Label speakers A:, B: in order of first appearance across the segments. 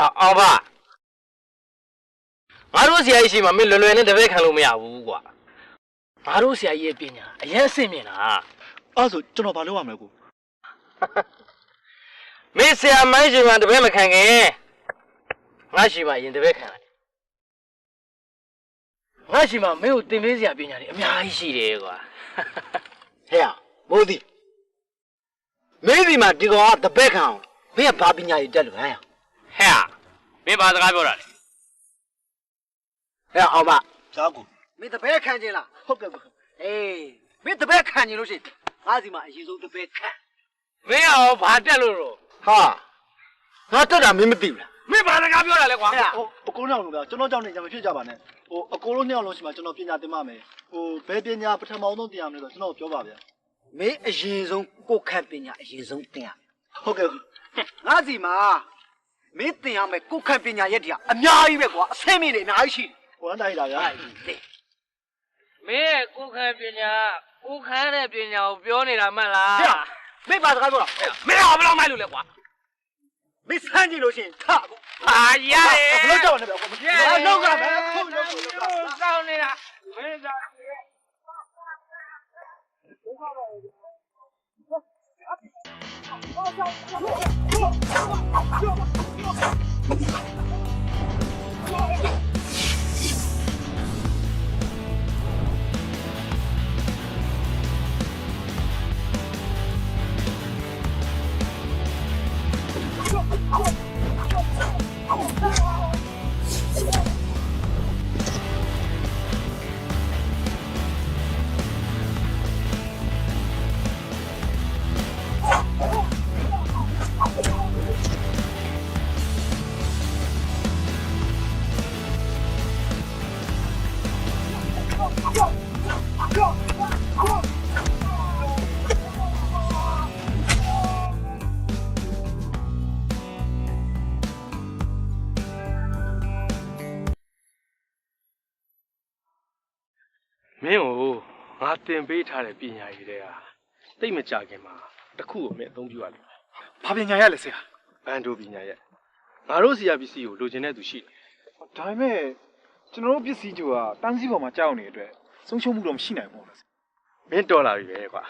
A: အောင်ပါငါတို့ဆရာကြီးရှိမှမင်းလွယ်လွယ်နဲ့တပည့်ခံလို့မရဘူးကွာငါတို့ဆရာကြီးရဲ့ပညာအရင်အဆင့်မြင့်တာ
B: အဲ့ဆိုကျွန်တော်ဘာလုပ်ရမလဲကို
A: မင်းဆရာမိုင်းရှိမှတပည့်မခံခင်ငါရှိမှရင်တပည့်ခံလိုက်ငါရှိမှမင်းကိုတင်ပေးစရာပညာတွေအများကြီးရှိတယ်ကွာ
C: ဟဲ့မိုးသည်မင်းဒီမှာဒီကောင်ကတပည့်ခံအောင်မင်းကဘာပညာရည်တက်လို့ဟဲ့
A: မင်းဘာစကားပြောတာလဲ
C: ဟဲ့အောင်ပါ
B: ဇာကို
C: မင်းတပည့်ခံခြင်းလားဟုတ်ကဲ့ကိုအေးမင်းတပည့်ခံခြင်းလို့ရှိရင်ငါစီမှာအရင်ဆုံးတပည့်ခံ
A: မင်းအောင်ဘာတက်လို့တော့
C: ဟာငါတက်တာမင်းမသိဘူးလား
A: မင်းဘာစကားပြောတာလဲကွာ
B: အကိုနောက်လို့ဗျာကျွန်တော်ကြောင့်နေကြမဖြစ်ကြပါနဲ့အကိုတို့နှစ်ယောက်လုံးရှိမှကျွန်တော်ပညာသင်ပါမယ်ဘယ်ပညာပထမဆုံးသင်ရမလဲဆိုတော့ကျွန်တော်ပြောပါဗျာ
C: မင်းအရင်ဆုံးကိုခန့်ပညာအရင်ဆုံးသင်ရ
B: ဟုတ်ကဲ့
C: ငါစီမှာမင်းသင်ရမယ်ကိုခန့်ပညာရက်တည်းအများကြီးပဲကွာအဆင့်မြင့်နေအများကြီးရှိတယ်
B: ဟိုအတိုင်းတာဗျာ
A: မင်းရဲ့ကိုခန့်ပညာကိုခန့်တဲ့ပညာကိုပြောနေတာမှတ်လား
C: မင်းဘာစကားပြောတာ
A: မင်းအောင်ဘယ်လောက်မိုက်လို့လဲကွာ
C: မင်းစမ်းကြည့်လို့ရှိရင်ထကို
A: ဟာရတယ်
B: ဘယ်လိုကြောက်နေပဲကွာ
C: ဘာလောက်ကပဲ
A: ဟုတ်လို့စောင်းနေတာမင်းသာမင်းကိုငါတင်ပေးထားတဲ့ပညာရည်တွေကတိတ်မကြခင်မှာတစ်ခုကိုမင်းအသုံးပြုရလိမ့်မယ်
B: ။ဘာပညာရလဲဆရာ
A: ။ဘန်ဒိုပညာရငါတို့ဆရာပစ္စည်းကိုလိုချင်တဲ့သူရှိတယ်
B: ။ဒါပေမဲ့ကျွန်တော်တို့ပစ္စည်းတွေကတန်းစည်းပေါ်မှာကြောက်နေတဲ့အတွက်ဆုံးရှုံးမှုတော့မရှိနိုင်ဘူးလား
A: ။မင်းတော်လာပြီပဲကွာ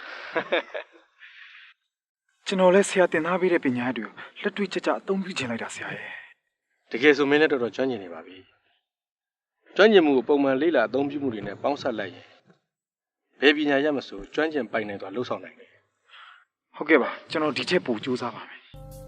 B: ။ကျွန်တော်လည်းဆရာတင်ထားပေးတဲ့ပညာရည်တွေကိုလက်တွေ့ကျကျအသုံးပြုချင်လိုက်တာဆရာရဲ့
A: ။တကယ်ဆိုမင်းလည်းတော်တော်ကျွမ်းကျင်နေပါပြီ။ကျွမ်းကျင်မှုကိုပုံမှန်လေ့လာအသုံးပြုမှုတွေနဲ့ပေါင်းစပ်လိုက်ရင်ဘယ်ပညာရမဆိုကျွမ်းကျင်ပိုင်နိုင်စွာလှုပ်ဆောင်နိုင်တယ်
B: ဟုတ်ကဲ့ပါကျွန်တော်ဒီချက်ပို့စူးစမ်းပါမယ်